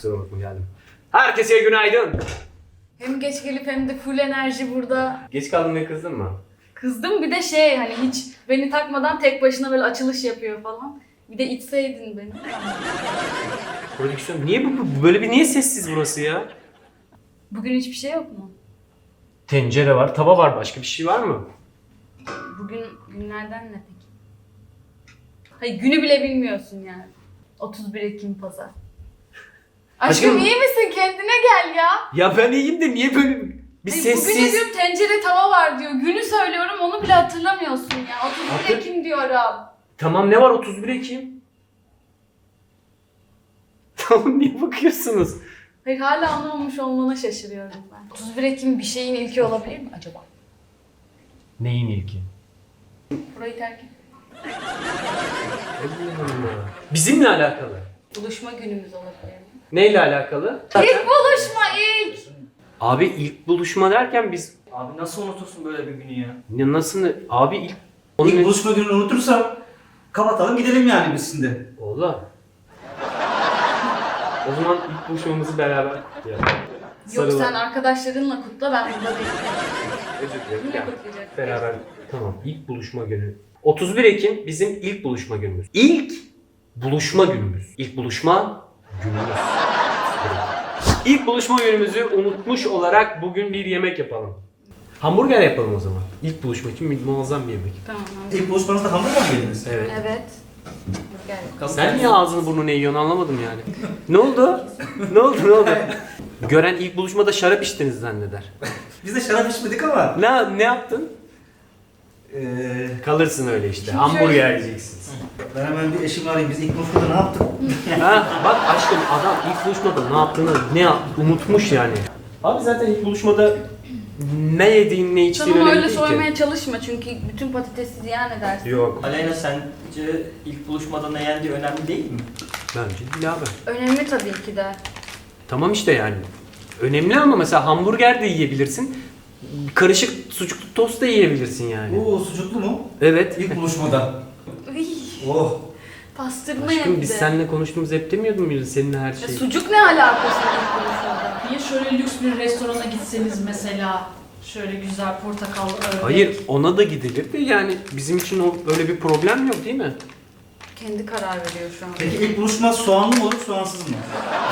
Kusura bakma geldim. Herkese günaydın. Hem geç gelip hem de full enerji burada. Geç kaldın diye kızdın mı? Kızdım bir de hani hiç beni takmadan tek başına böyle açılış yapıyor falan. Bir de içseydin beni. Prodüksiyon niye bu böyle niye sessiz burası ya? Bugün hiçbir şey yok mu? Tencere var, tava var, başka bir şey var mı? Bugün günlerden ne peki? Hayır günü bile bilmiyorsun yani. 31 Ekim pazar. Aşkım iyi misin? Kendine gel ya. Ya ben iyiyim de niye böyle bir Hayır, sessiz? Bugün diyorum tencere tava var diyor. Günü söylüyorum onu bile hatırlamıyorsun ya. 31 Ekim diyorum. Tamam ne var 31 Ekim? Tamam niye bakıyorsunuz? Hayır hala anlamamış olmana şaşırıyorum ben. 31 Ekim bir şeyin ilki olabilir mi acaba? Neyin ilki? Burayı terk et. Bizimle alakalı. Buluşma günümüz olabilir mi? Neyle alakalı? İlk buluşma ilk. Abi ilk buluşma derken biz Abi nasıl unutursun böyle bir günü ya? nasıl abi ilk İlk buluşma gününü unutursam kapatalım gidelim yani biz şimdi. Oğlum. O zaman ilk buluşmamızı beraber yapalım. Yok sen arkadaşlarınla kutla ben burada değilim. Özür dilerim. Yine Ya, kutlayacak. beraber tamam ilk buluşma günü. 31 Ekim bizim ilk buluşma günümüz. İlk buluşma günümüz. İlk buluşma günümüz. İlk buluşma günümüzü unutmuş olarak bugün bir yemek yapalım. Hamburger yapalım o zaman. İlk buluşma için muazzam bir yemek. Tamam. İlk buluşmanızda hamburger mi yediniz? Evet. Evet. Gel. Sen niye ağzını burnunu yiyorsun anlamadım yani. Ne oldu? Ne oldu ne oldu? Gören ilk buluşmada şarap içtiniz zanneder. Biz de şarap içmedik ama. Ne yaptın? Kalırsın öyle işte. Şimdi Hamburger yiyeceksiniz. Ben hemen bir eşimi arayayım. Biz ilk buluşmada ne yaptık? Ha, bak aşkım adam ilk buluşmada ne yaptığını unutmuş yani. Abi zaten ilk buluşmada ne yediğin ne içtiğin Tamam önemli öyle değil soymaya ki. çalışma çünkü bütün patatesi ziyan edersin. Yok. Aleyna sence ilk buluşmada ne yendiği önemli değil mi? Bence değil abi. Önemli tabii ki de. Tamam işte yani. Önemli ama mesela hamburger de yiyebilirsin. Karışık sucuklu tost da yiyebilirsin yani. Oo sucuklu mu? Evet. İlk buluşmada. Iy, Oh. pastırma Aşkım hem biz de. seninle konuştuğumuz hep demiyordun muydu seninle her Ya şey? sucuk ne alakası ilk buluşmada? Niye şöyle lüks bir restorana gitseniz mesela şöyle güzel portakallı ördek. Hayır ona da gidilir de yani bizim için o öyle bir problem yok değil mi? Kendi karar veriyor şu an. Peki ilk buluşma soğanlı mı olur soğansız mı?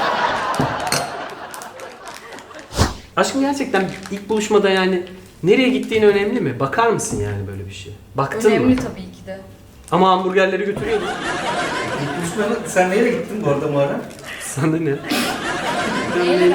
Aşkım gerçekten ilk buluşmada yani nereye gittiğin önemli mi? Bakar mısın yani böyle bir şey? Baktın Önemli mı? tabii ki de. Ama hamburgerleri götürüyordun. İlk buluşmada sen nereye gittin bu arada Muharrem? Sana ne? Neyle vermiştin?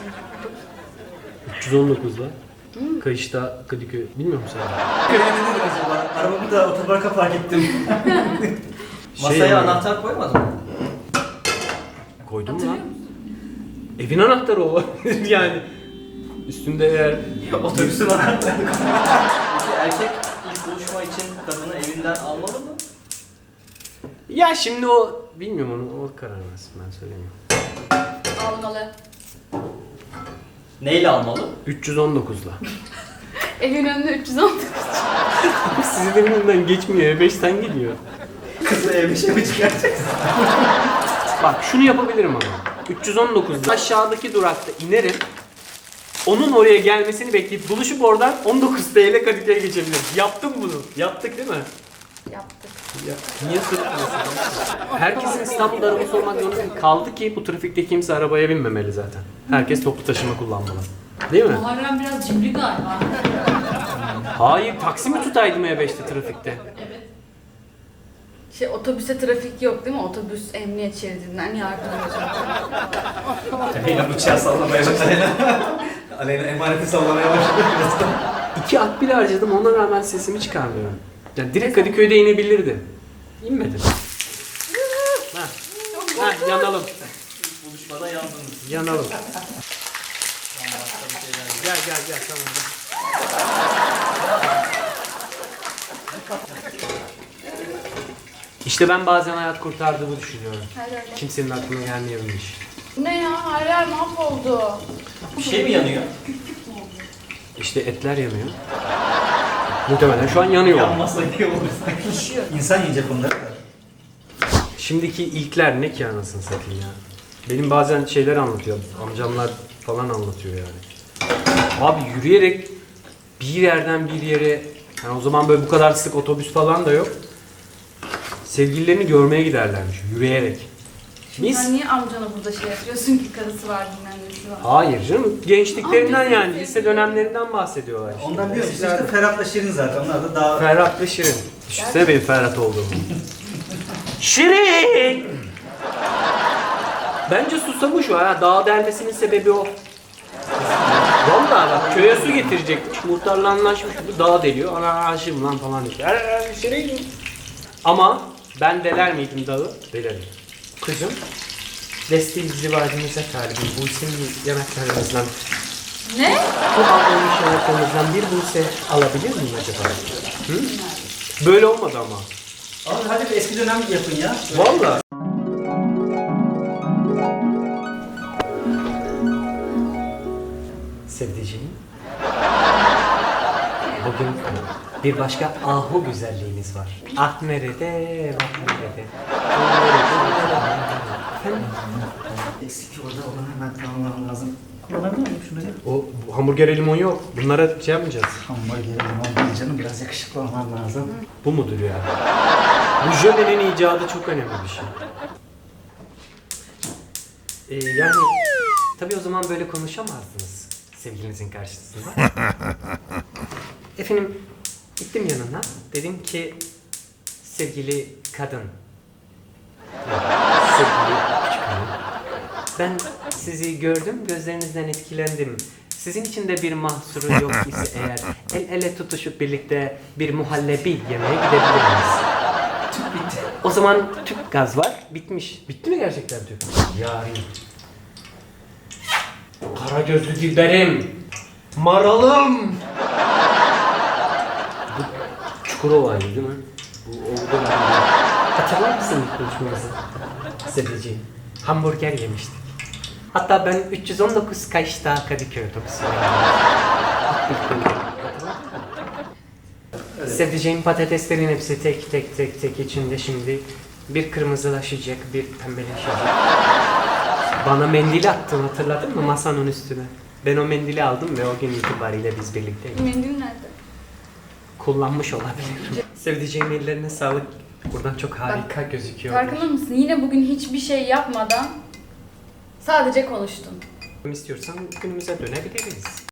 319'la. Kayışta Kadıköy. Bilmiyor musun sen? Köye ne dedin acaba? Arabamı da otoparka park ettim. Masaya yani, anahtar koymadın mı? koydun mu Hatırlıyor lan? musun? Evin anahtarı o. yani. Üstünde eğer... Otobüsün anahtarı. Peki erkek ilk buluşma için kadını evinden almalı mı? Ya şimdi o... Bilmiyorum onu. O karar versin ben söylemiyorum. Almalı. Neyle almalı? 319'la. Evin önünde 319. Sizin önünden geçmiyor. E5'ten gidiyor. Kızı E5'e mi çıkaracaksın? Bak şunu yapabilirim ama. 319'da aşağıdaki durakta inerim. Onun oraya gelmesini bekleyip buluşup oradan 19 TL Kadıköy'e geçebiliriz. Yaptım bunu. Yaptık değil mi? Yaptık. Ya, niye sırıtmıyorsun? Herkesin İstanbul'da arabası olmak zorunda değil. Kaldı ki bu trafikte kimse arabaya binmemeli zaten. Herkes toplu taşıma kullanmalı. Değil mi? Muharrem biraz cimri galiba. Hayır, taksi mi tutaydım E5'te trafikte? Otobüse trafik yok değil mi? Otobüs emniyet şeridinden yardımcı. Aleyna bıçağı sallamaya başladı. Aleyna emaneti sallamaya başladı birazdan. 2 akbil harcadım ona rağmen sesimi çıkarmıyorum. Yani direkt Kadıköy'de inebilirdi. İnmedi. Ha, yanalım. İlk buluşmada yandınız. Yanalım. Gel tamam. İşte ben bazen hayat kurtardığımı düşünüyorum. Hayır öyle. Kimsenin aklına gelmeyebilmiş. Bu ne ya? Hayır mahvoldu. Bir şey mi yanıyor? İşte etler yanıyor. Muhtemelen şu an yanıyor. Yanmasa iyi olur sanki. İnsan yiyecek onları da. Şimdiki ilkler ne ki anasını satayım ya. Benim bazen şeyler anlatıyor. Amcamlar falan anlatıyor yani. Abi yürüyerek bir yerden bir yere, yani o zaman böyle bu kadar sık otobüs falan da yok. Sevgililerini görmeye giderlermiş yürüyerek. Şimdi Biz sen niye amcana burada şey yapıyorsun ki karısı var bilmem nesi var. hayır canım, gençliklerinden Amcası yani sevgili. lise dönemlerinden bahsediyorlar işte. Ondan diyorum işte Eskilerde. Ferhat'la Şirin zaten. Onlar da daha... Ferhat ve Şirin. Düşünsene benim Ferhat olduğumu. Şirin! Bence susamış o ha. Dağ delmesinin sebebi o. Vallahi bak köye su getirecekmiş. Muhtarla anlaşmış. Bu dağ deliyor. Ana aşığım lan falan diyor. Şirin! Ama ben deler miydim dağı? Delerim. Kızım, desteği zivacımıza talibim. Buse'nin yanaklarımızdan, Ne? bu ablamış yanaklarımızdan bir Buse alabilir miyim acaba? Hı? Böyle olmadı ama. Abi hadi bir eski dönem yapın ya. Vallahi. Sevdiceğim. Bugün bir başka ahu güzelliğimiz var. Ah nerede, bak nerede. Efendim? Eksik orada onu hemen tamamlamam lazım. Kullanabilir miyim şunu ya? O bu hamburger limon yok. Bunlara şey yapmayacağız. Hamburger limon değil canım. Biraz yakışıklı olmam lazım. Bu mudur ya? Bu jölenin icadı çok önemli bir şey. Yani tabii o zaman böyle konuşamazdınız sevgilinizin karşısında. Efendim gittim yanına. Dedim ki sevgili kadın. Yok, sevgili küçük hanım. Ben sizi gördüm, gözlerinizden etkilendim. Sizin için de bir mahsuru yok ise eğer el ele tutuşup birlikte bir muhallebi yemeye gidebilir miyiz? Tüp bitti. O zaman tüp gaz var, bitmiş. Bitti mi gerçekten tüp? Yani. Kara gözlü dilberim. Maralım. Bu Çukurova'ydı değil mi? Bu oldu. Hatırlar mısın ilk buluşmamızı? Sevdiceğim. Hamburger yemiştik. Hatta ben 319 Kaş'ta Kadıköy otobüsüne Sevdiceğim patateslerin hepsi tek tek içinde şimdi bir kırmızılaşacak, bir pembeleşecek. Bana mendil attın, hatırladın mı masanın üstüne? Ben o mendili aldım ve o gün itibariyle biz birlikteyiz. Mendil nerede? Kullanmış olabilir. Sevdiceğim ellerine sağlık. Buradan çok harika gözüküyor. Farkında mısın? Yine bugün hiçbir şey yapmadan sadece konuştun. İstiyorsan günümüze dönebiliriz.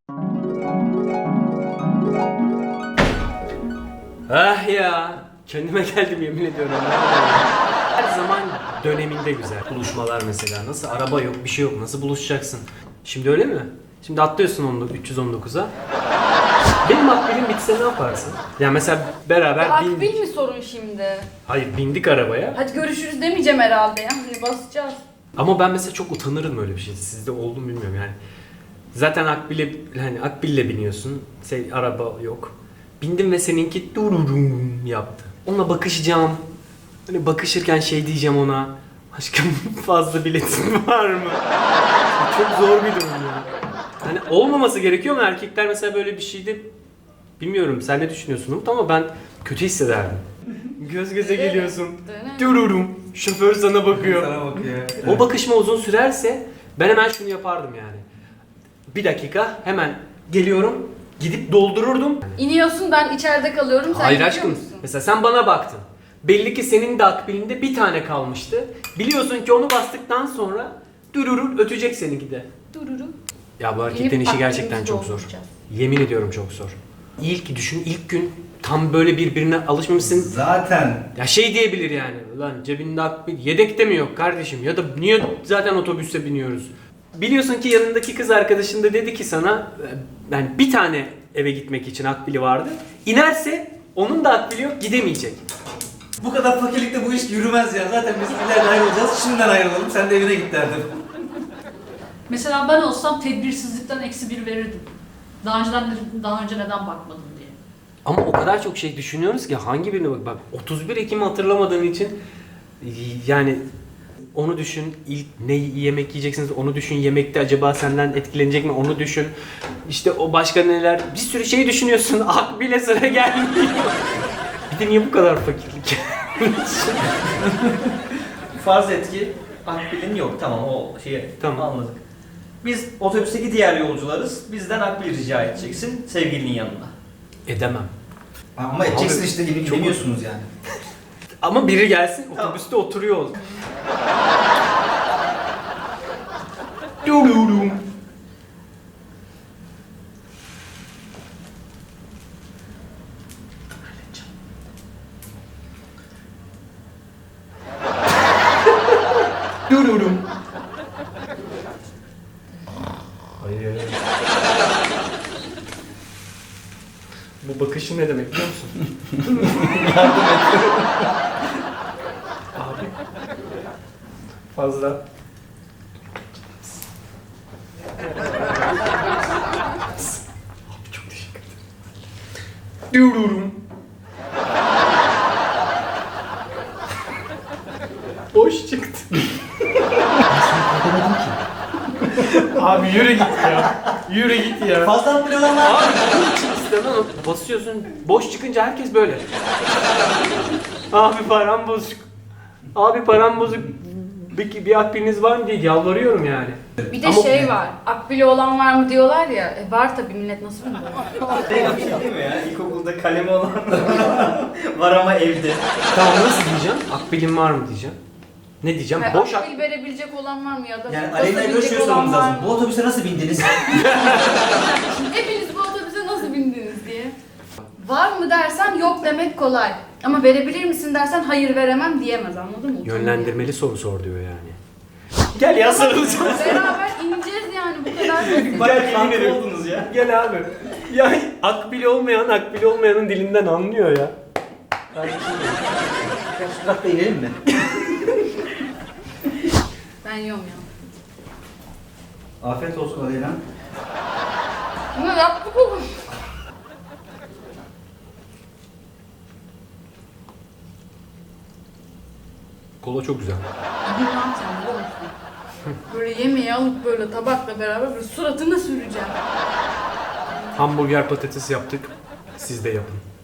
Ah ya, kendime geldim yemin ediyorum. Her zaman döneminde güzel. Buluşmalar mesela. Nasıl araba yok, bir şey yok. Nasıl buluşacaksın? Şimdi öyle mi? Şimdi atlıyorsun 319'a. Benim akbilim bitse ne yaparsın? Ya mesela beraber Akbil mi sorun şimdi? Hayır, bindik arabaya. Hadi görüşürüz demeyeceğim herhalde ya. Hani basacağız. Ama ben mesela çok utanırım öyle bir şey. Sizde oldu mu bilmiyorum yani. Zaten akbille biniyorsun. Araba yok. Bindim ve seninki dururum yaptı. Onunla bakışacağım. Hani bakışırken şey diyeceğim ona. Aşkım fazla biletin var mı? Çok zor bir durum ya. Hani olmaması gerekiyor mu? Erkekler mesela böyle bir şeyde bilmiyorum sen ne düşünüyorsun Umut ama ben kötü hissederdim. Göz göze geliyorsun. Dururum. Şoför sana bakıyor. Sana bakıyor. O bakışma uzun sürerse ben hemen şunu yapardım yani. Bir dakika hemen geliyorum. Gidip doldururdum. İniyorsun ben içeride kalıyorum. Sen Hayır gidiyor aşkım. musun? Mesela sen bana baktın. Belli ki senin de akbilinde bir tane kalmıştı. Biliyorsun ki onu bastıktan sonra dururur ötecek seninki de. Dururum. Ya bu erkeklerin İnip işi gerçekten akbilimizi çok zor. dolduracağız. Yemin ediyorum çok zor. İlk gün tam böyle birbirine alışmamışsın. Zaten. Ya şey diyebilir yani. Ulan cebinde akbil yedekte mi yok kardeşim? Ya da niye zaten otobüse biniyoruz? Biliyorsun ki yanındaki kız arkadaşın da dedi ki sana yani bir tane eve gitmek için akbili vardı. İnerse onun da akbili yok gidemeyecek. Bu kadar fakirlikte bu iş yürümez ya. Zaten biz ileride ayrılacağız. Şimdiden ayrılalım. Sen de evine git derdim. Mesela ben olsam tedbirsizlikten -1 verirdim. Daha önce neden bakmadın diye. Ama o kadar çok şey düşünüyoruz ki hangi birine bak 31 Ekim'i hatırlamadığın için yani onu düşün, ilk ne yemek yiyeceksiniz onu düşün, yemekte acaba senden etkilenecek mi onu düşün. İşte o başka neler, bir sürü şey düşünüyorsun, akbile sıra gelmiyor. Bir de niye bu kadar fakirlik? Farz et ki Akbil'in yok. Tamam o şeyi Tamam. anladık. Biz otobüsteki diğer yolcularız. Bizden Akbil rica edeceksin sevgilinin yanına. Edemem. Ama edeceksin Abi, işte çok- demiyorsunuz yani. Ama biri gelsin Tamam. otobüste oturuyor ol. Dururum. Dururum. Hayır. Bu bakışın ne demek biliyor musun? Abi. Fazla. Abi çok teşekkür ederim. Dururum. Boş çıktı. Abi yürü git ya. Yürü git ya. Fazla Akbil olan var. Abi bunun için istemem. Basıyorsun. Boş çıkınca herkes böyle. Abi param bozuk. Abi param bozuk. Bir akbiliniz var mı diye yalvarıyorum yani. Bir de Ama- şey var. Akbili olan var mı diyorlar ya. Var tabii, millet nasıl bilmiyor. Değil bir şey değil mi ya? İlkokulda kalemi olan var ama evde. Tamam nasıl diyeceğim? Akbilim var mı diyeceğim. Ne diyeceğim? Hayır, Boş akbil verebilecek olan var mı ya da Yani nasıl Aleyna'ya böyle şey binecek sormamız olan var lazım. mı? Bu otobüse nasıl bindiniz? Hepiniz bu otobüse nasıl bindiniz diye. Var mı dersen yok demek kolay. Ama verebilir misin dersen hayır veremem diyemez, anladın mı? Yönlendirmeli soru sor diyor yani. Gel ya sarılacağız. Beraber ineceğiz yani, bu kadar basit. Bayağı Yemin kanka ederim. oldunuz ya. Gel abi. Ya akbili olmayanın dilinden anlıyor ya. Durakta inelim mi? Ben yiyorum ya. Afiyet olsun Aleyna. Bunu yaptık oğlum. Kola çok güzel. Bugün ne yapacağım biliyor musun? Böyle yemeği alıp böyle tabakla beraber böyle suratına süreceğim. Hamburger patates yaptık. Siz de yapın.